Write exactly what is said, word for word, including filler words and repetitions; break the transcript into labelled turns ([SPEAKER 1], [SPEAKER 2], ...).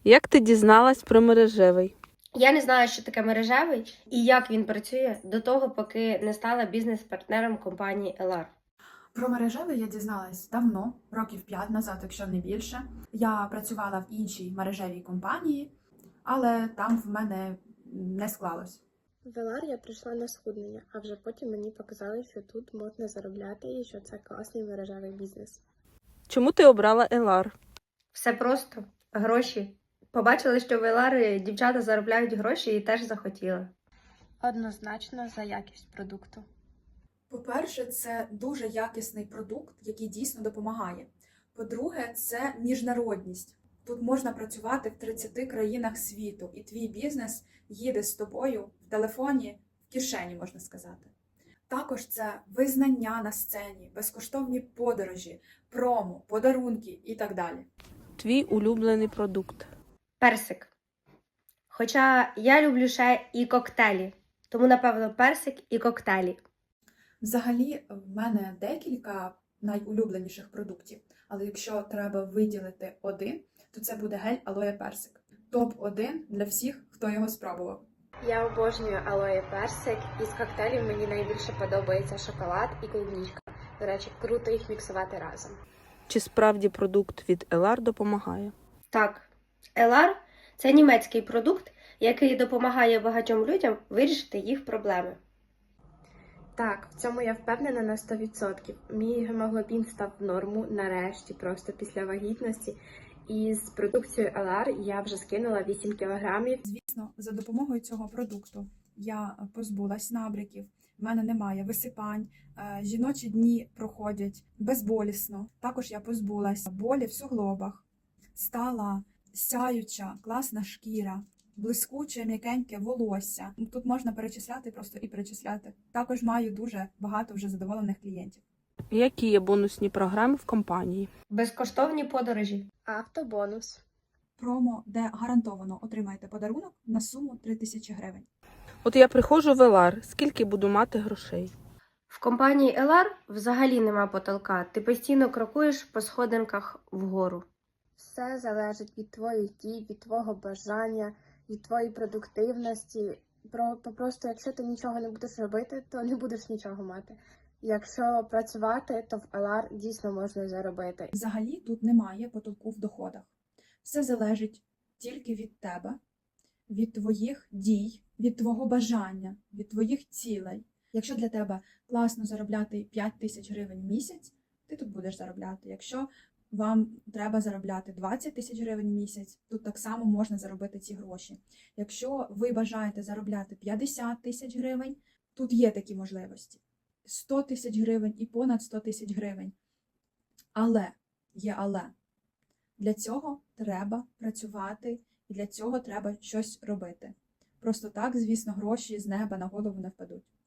[SPEAKER 1] Як ти дізналась про мережевий?
[SPEAKER 2] Я не знаю, що таке мережевий і як він працює до того, поки не стала бізнес-партнером компанії ел ар.
[SPEAKER 3] Про мережевий я дізналась давно, років п'ять назад, якщо не більше. Я працювала в іншій мережевій компанії, але там в мене не склалось.
[SPEAKER 4] В ел ар я прийшла на схуднення, а вже потім мені показали, що тут можна заробляти і що це класний мережевий бізнес.
[SPEAKER 1] Чому ти обрала ел ар?
[SPEAKER 2] Все просто. Гроші. Побачили, що в ел ар дівчата заробляють гроші і теж захотіли.
[SPEAKER 4] Однозначно за якість продукту.
[SPEAKER 3] По-перше, це дуже якісний продукт, який дійсно допомагає. По-друге, це міжнародність. Тут можна працювати в тридцяти країнах світу, і твій бізнес їде з тобою в телефоні, в кишені, можна сказати. Також це визнання на сцені, безкоштовні подорожі, промо, подарунки і так далі.
[SPEAKER 1] Твій улюблений продукт.
[SPEAKER 2] Персик. Хоча я люблю ще і коктейлі. Тому, напевно, персик і коктейлі.
[SPEAKER 3] Взагалі, в мене декілька найулюбленіших продуктів, але якщо треба виділити один, то це буде гель алоє персик. топ один для всіх, хто його спробував.
[SPEAKER 4] Я обожнюю алоє персик, із коктейлів мені найбільше подобається шоколад і клубничка. До речі, круто їх міксувати разом.
[SPEAKER 1] Чи справді продукт від ел ар допомагає?
[SPEAKER 2] Так, ел ар – це німецький продукт, який допомагає багатьом людям вирішити їх проблеми.
[SPEAKER 4] Так, в цьому я впевнена на сто відсотків. Мій гемоглобін став в норму нарешті, просто після вагітності. І з продукцією ел ар я вже скинула вісім кілограмів.
[SPEAKER 3] Звісно, за допомогою цього продукту я позбулась набряків, в мене немає висипань, жіночі дні проходять безболісно. Також я позбулась болі в суглобах, стала сяюча, класна шкіра, блискуче, м'якеньке волосся. Тут можна перечисляти просто і перечисляти. Також маю дуже багато вже задоволених клієнтів.
[SPEAKER 1] Які є бонусні програми в компанії?
[SPEAKER 2] Безкоштовні подорожі.
[SPEAKER 4] Автобонус.
[SPEAKER 3] Промо, де гарантовано отримаєте подарунок на суму три тисячі гривень.
[SPEAKER 1] От я приходжу в ел ар, скільки буду мати грошей?
[SPEAKER 2] В компанії ел ар взагалі нема потолка. Ти постійно крокуєш по сходинках вгору.
[SPEAKER 4] Все залежить від твоїх дій, від твого бажання, від твоєї продуктивності. Про, просто якщо ти нічого не будеш робити, то не будеш нічого мати. Якщо працювати, то в ел ар дійсно можна заробити.
[SPEAKER 3] Взагалі тут немає потолку в доходах. Все залежить тільки від тебе, від твоїх дій, від твого бажання, від твоїх цілей. Якщо для тебе класно заробляти п'ять тисяч гривень в місяць, ти тут будеш заробляти. Якщо вам треба заробляти двадцять тисяч гривень в місяць, тут так само можна заробити ці гроші. Якщо ви бажаєте заробляти п'ятдесят тисяч гривень, тут є такі можливості. сто тисяч гривень і понад сто тисяч гривень. Але, є але. Для цього треба працювати і для цього треба щось робити. Просто так, звісно, гроші з неба на голову не впадуть.